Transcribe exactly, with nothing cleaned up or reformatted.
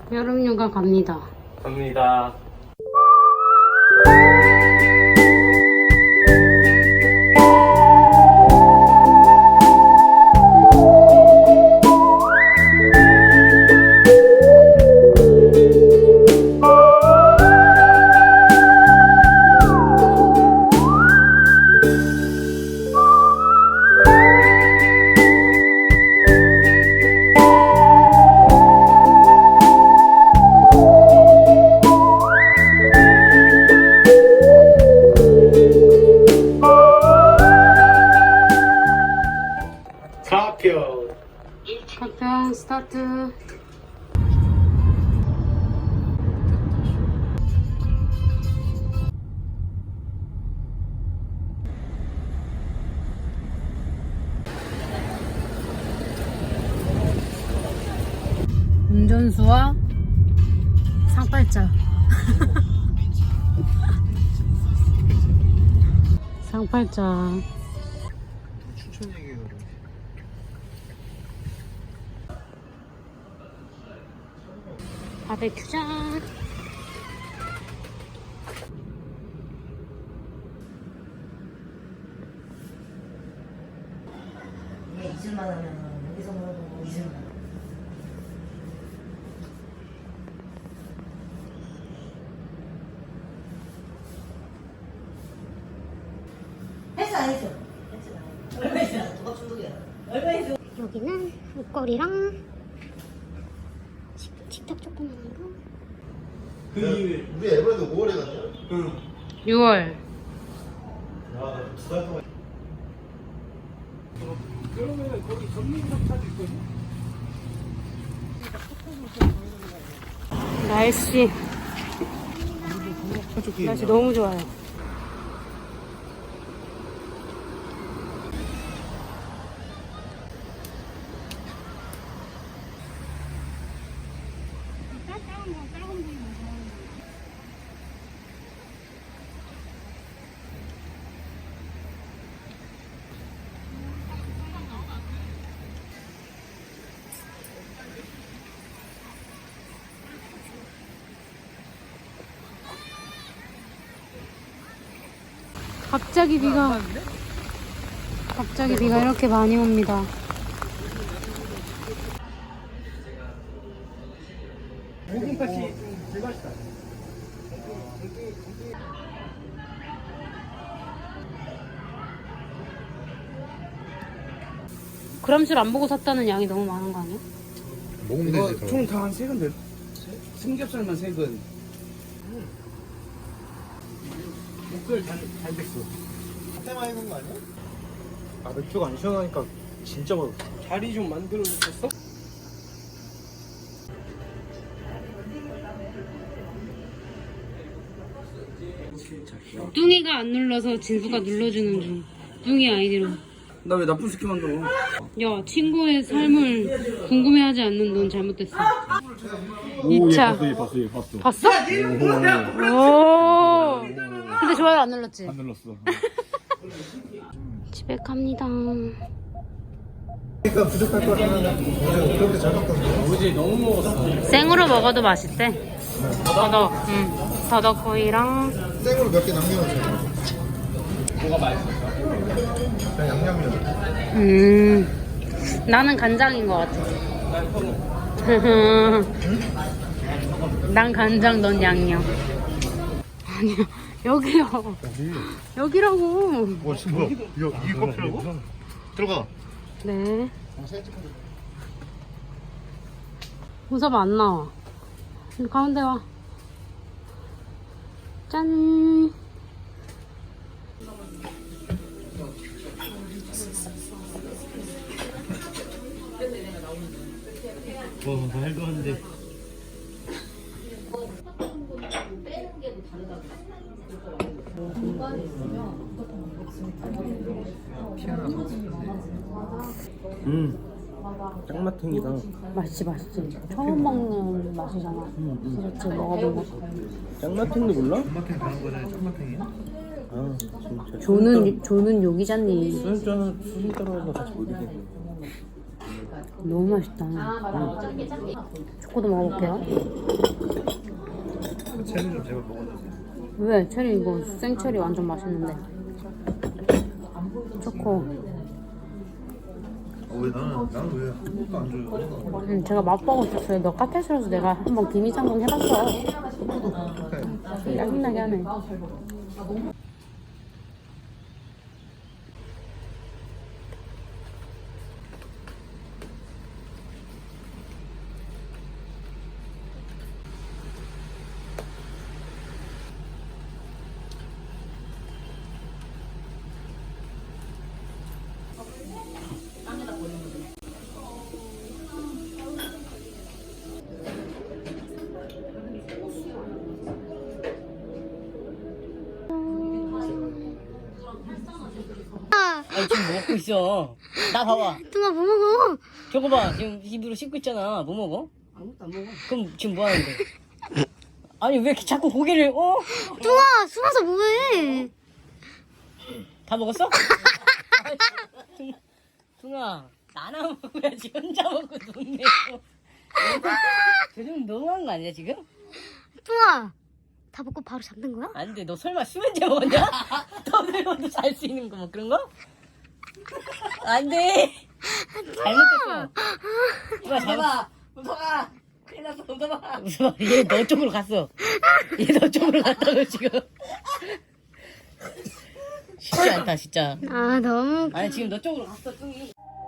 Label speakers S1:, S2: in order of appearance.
S1: 여름휴가 갑니다.
S2: 갑니다. 가평
S1: 가평 스타트. 운전수와 상팔자. 상팔자.
S3: 추천 얘기해요.
S1: 바베큐장.
S4: 이게 이슬만 하면 여기서 먹어도 이슬만. 했어 안 했어? 했어. 얼마 했어? 누가 중독이야? 얼마 했어?
S1: 여기는 목걸이랑 식, 식탁 조그만한 거.
S3: 그 이후에 우리 에버랜드 오월에 갔냐?
S2: 응.
S1: 유월.
S3: 아, 두달 동안.
S2: 그러면 거기 전문점차도 있거든?
S1: 날씨 날씨 너무 좋아요. 갑자기 비가 갑자기 비가 이렇게 많이 옵니다.
S2: 모금밭이 좀 불맛이다.
S1: 그람술 안 보고 샀다는 양이 너무 많은 거 아니야?
S3: 먹으면
S2: 이거
S3: 되지. 더.
S2: 총 다 한 세 근데 삼겹살만 세 근. 목살 잘, 잘 됐어.
S3: 테마 해놓은 거 아니야?
S2: 아 맥주가 안 시원하니까 진짜 맛없어. 자리 좀 만들어 줬어?
S1: 뚱이가 안 눌러서 진수가 눌러주는 중. 뚱이 아이디로.
S2: 나 왜 나쁜 새끼 만들어?
S1: 야, 친구의 삶을 궁금해하지 않는 넌 잘못됐어. 이 차.
S5: 봤어, 얘 봤어, 얘 봤어.
S1: 봤어? 오. 근데 좋아요 안 눌렀지?
S5: 안 눌렀어.
S1: 집에 갑니다.
S3: 그러니까 부족할 거 같으면 어제 그렇게 잘 먹던데.
S2: 어제 너무 먹었어.
S1: 생으로 먹어도 맛있대. 더덕, 응. 더덕구이랑
S3: 생으로 몇 개 남겨놓자.
S2: 뭐가 맛있어?
S3: 그냥 양념이야.
S1: 음. 나는 간장인 것 같아. 난 간장, 넌 양념. 아니야, 여기요. 여기라고.
S3: 와, 지금 뭐야? 이거 이 커피라고? 들어가.
S1: 네. 우섭 안 나와. 가운데 와. 짠.
S2: 와 말도 안 돼. 음, 짱맛탱이다.
S1: 맛있지, 맛있지. 처음 먹는 맛이잖아. 디저트 먹어보고.
S2: 짱맛탱도 몰라?
S3: 짠맛탱 가는 거잖아. 짠맛탱이야?
S2: 아 진짜.
S1: 조는, 조는 요기잖니.
S2: 수준자는 수준 따라서 같이 모이게.
S1: 너무 맛있다. 초코도 먹어볼게요.
S2: 체리 좀 제발 먹어주세요.
S1: 왜? 체리 이거 생체리 완전 맛있는데. 초코.
S3: 어, 왜 나는 나는 왜 아무것도 안 줘요?
S1: 응, 제가 맛보고 싶었어요. 너 카페에서 내가 한번 기미장군 해봤어. 짜증나게 하네.
S5: 아니 지금 뭐 먹고 있어? 나 봐봐.
S1: 뚱아 뭐 먹어?
S5: 저거 봐. 지금 입으로 씹고 있잖아. 뭐 먹어?
S4: 아무것도 안 먹어.
S5: 그럼 지금 뭐 하는데? 아니 왜 이렇게 자꾸 고개를 어?
S1: 뚱아 숨어서 뭐해?
S5: 다 먹었어? 둥아 나나 먹어야지. 혼자 먹고 돈 내고. 저좀 너무한 거 아니야 지금?
S1: 뚱아 다 먹고 바로 잠든 거야?
S5: 안 돼. 너 설마 수면제 먹었냐? 더 들어도 잘 수 있는 거 뭐 그런 거? 안 돼. 잘못했어. 둥아 잡아.
S4: 웃어봐. 큰일 났어. 웃어봐.
S5: 웃어봐. 얘 너 쪽으로 갔어. 얘 너 쪽으로 갔다고 지금. 쉽지 않다 진짜.
S1: 아 너무
S5: 아니 지금 너 쪽으로 갔어 뚱이.